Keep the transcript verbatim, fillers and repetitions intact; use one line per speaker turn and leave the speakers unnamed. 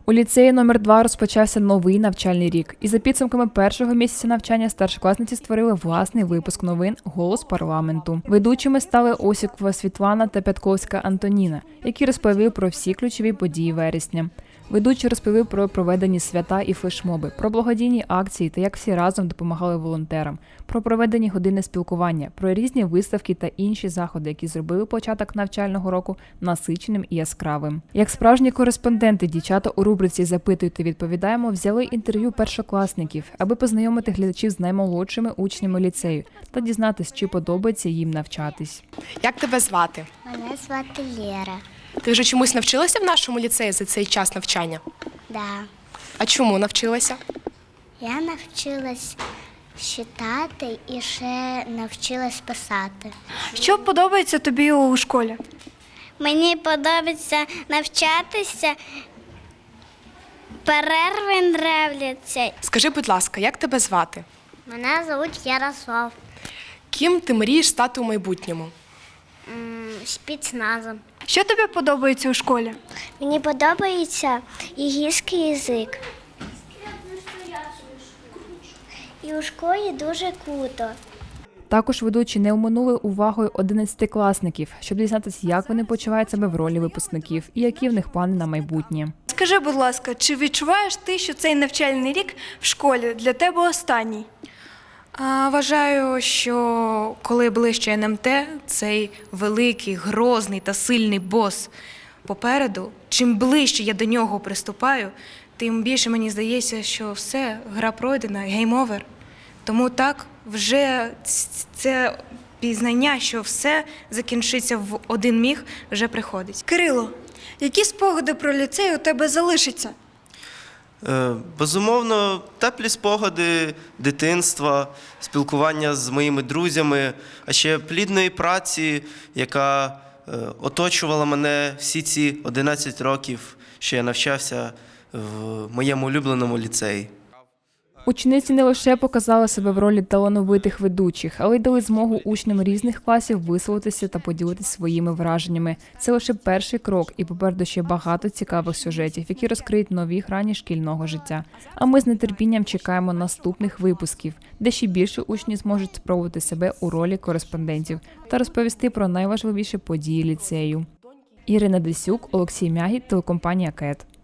У ліцеї номер два розпочався новий навчальний рік. І за підсумками першого місяця навчання старшокласниці створили власний випуск новин «Голос парламенту». Ведучими стали Осікова Світлана та Пятковська Антоніна, які розповіли про всі ключові події вересня. Ведучі розповіли про проведені свята і флешмоби, про благодійні акції та як всі разом допомагали волонтерам, про проведені години спілкування, про різні виставки та інші заходи, які зробили початок навчального року насиченим і яскравим. Як справжні кореспонденти, дівчата у рубриці «Запитуйте, відповідаємо» взяли інтерв'ю першокласників, аби познайомити глядачів з наймолодшими учнями ліцею та дізнатись, чи подобається їм навчатись.
Як тебе звати?
Мене звати Лєра.
Ти вже чомусь навчилася в нашому ліцеї за цей час навчання?
Да.
А чому навчилася?
Я навчилась читати і ще навчилась писати.
Що подобається тобі у школі?
Мені подобається навчатися, перерви нравляться.
Скажи, будь ласка, як тебе звати?
Мене звуть Ярослав.
Ким ти мрієш стати у майбутньому?
Спецназом.
Що тобі подобається у школі?
Мені подобається ігільський язик. І у школі дуже круто.
Також ведучі не оминули увагою одинадцятикласників, щоб дізнатися, як вони почувають себе в ролі випускників і які в них плани на майбутнє.
Скажи, будь ласка, чи відчуваєш ти, що цей навчальний рік в школі для тебе останній?
А, Вважаю, що коли ближче ен ем те, цей великий, грозний та сильний бос попереду, чим ближче я до нього приступаю, тим більше мені здається, що все, гра пройдена, гейм-овер. Тому так, вже це пізнання, що все закінчиться в один міг, вже приходить.
Кирило, які спогади про ліцей у тебе залишаться?
Е, Безумовно, теплі спогади дитинства, спілкування з моїми друзями, а ще плідної праці, яка е, оточувала мене всі ці одинадцять років, що я навчався в моєму улюбленому ліцеї.
Учениці не лише показали себе в ролі талановитих ведучих, але й дали змогу учням різних класів висловитися та поділитися своїми враженнями. Це лише перший крок, і попереду ще багато цікавих сюжетів, які розкриють нові грані шкільного життя. А ми з нетерпінням чекаємо наступних випусків, де ще більше учні зможуть спробувати себе у ролі кореспондентів та розповісти про найважливіші події ліцею. Ірина Десюк, Олексій Мягі, телекомпанія КЕТ.